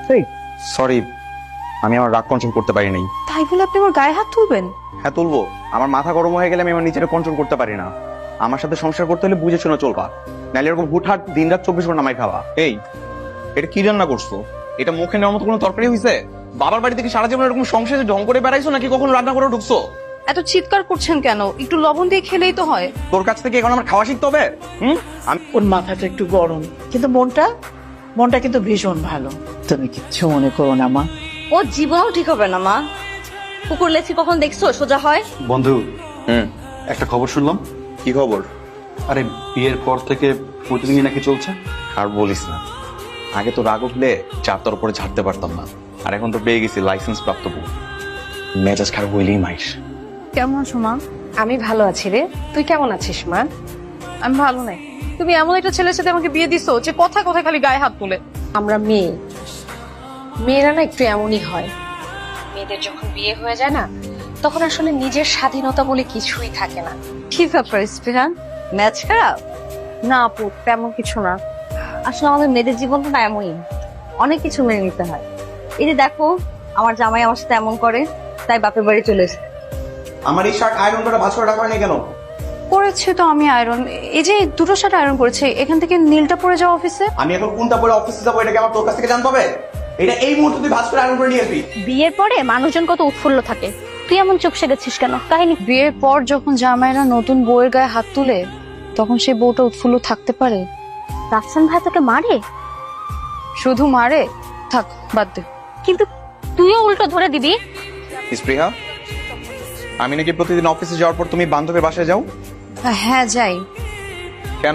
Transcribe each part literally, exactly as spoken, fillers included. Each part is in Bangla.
সরি, আমি আমার রাগ কন্ট্রোল করতে পারি নাই। তাই বলে আপনি আমার গায়ে হাত তুলবেন? হ্যাঁ তুলবো। আমার মাথা গরম হয়ে গেলে আমি আমার নিজেকে কন্ট্রোল করতে পারি না। আমার সাথে সংসার করতে হলে বুঝে শুনে চলবা, নাহলে এরকম হুটহাট দিন রাত চব্বিশ ঘন্টা আমায় খাওয়া। এই, এটা কি রান্না করছো? এটা মুখে নেওয়ার মতো কোনো তরকারি হয়েছে? বাবার বাড়ি থেকে সারা জীবন এরকম সংসারে ঢং করে বেড়াইছো নাকি কখনো রান্না করে ঢুকছো? এত চিৎকার করছেন কেন? একটু লবণ দিয়ে খেলেই তো হয়। তোর কাছ থেকে এখন আমার খাওয়া শিখতে হবে? হুম, আমি ওর মাথাটা একটু গরম, কিন্তু মনটা মনটা কিন্তু ভীষণ ভালো। তুমি কিচ্ছু মনে করো না মা। ও জীবনও ঠিক হবে না মা। কুকুর লেছি কখন দেখছো সোজা হয়? বন্ধু, হুম, একটা খবর শুনলাম। কি খবর? আরে বিয়ের পর থেকে প্রতিদিনই নাকি চলছে। আর বলিস না, আগে তো রাগ উঠলে চারটার উপরে ছাড়তে পারতাম না, আর এখন তো পেয়ে গেছি লাইসেন্স প্রাপ্ত বউ। মেজাজ খারাপ হইলেই মাইস। কেমন আছো মা? আমি ভালো আছি রে, তুই কেমন আছিস মা? আমি ভালো নাই। তুমি এমন একটা ছেলের সাথে আমাকে বিয়ে দিছো যে কথা কথা খালি গায়ে হাত তুলে। আমরা মেয়ে, মেয়েরা না একটু এমনই হয়। মেয়েদের যখন বিয়ে হয়ে যায় না, তখন আসলে নিজের স্বাধীনতা বলে কিছুই থাকে না। কি ব্যাপার স্পৃহা, ম্যাচ খারাপ? না আপু, তেমন কিছু না। আসলে আমাদের মেয়েদের জীবনটা না এমনই, অনেক কিছু মেনে নিতে হয়। এই যে দেখো, আমার জামাই আমার সাথে এমন করে, তাই বাপের বাড়ি চলে এসেছে। আমার এই শার্ট আয়রন করে ভাঁজ করে রাখা হয়নি কেন? করেছে তো আমি আয়রন। এই যে দুটো শার্ট আয়রন করেছে, এখান থেকে নীলটা পরে যাও অফিসে। আমি এখন কোনটা পরে অফিসে যাবো এটা কি আমার তোর কাছ থেকে জানতে হবে? এটা এই মুহূর্তে তুই ভাঁজ করে আয়রন করে নিয়ে আসবি। বিয়ের পরে মানুষজন কত উৎফুল্ল থাকে, তুই এমন চুপ সেগেছিস কেন? কাহিনী বিয়ের পর যখন জামাইরা নতুন বউয়ের গায়ে হাত তুলে, তখন সেই বউটা উৎফুল্ল থাকতে পারে? রাফসান ভাই তোকে মারে? শুধু মারে? থাক, বাদ দে। কিন্তু তুইও উল্টো ধরে দিবি। স্পৃহা, আমি নাকি প্রতিদিন অফিসে যাওয়ার পর তুমি বান্ধবীর বাসায় যাও? হ্যাঁ যাই। কেন?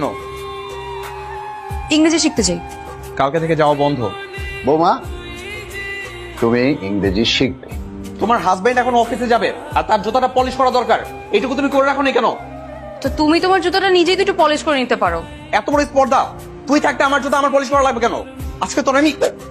ইংরেজি শিখতে যাই। কালকে থেকে যাওয়া বন্ধ। বৌমা, তুমি ইংরেজি শিখবে। তোমার হাজবেন্ড এখন অফিসে যাবে আর তার জুতাটা পলিশ করা দরকার, এইটুকু তুমি করে রাখো নি কেন? তো তুমি তোমার জুতোটা নিজেই তো একটু পলিশ করে নিতে পারো। এত বড় স্পর্ধা! তুই থাকতে আমার জুতা আমার পলিশ করা লাগবে কেন? আজকে তোর আমি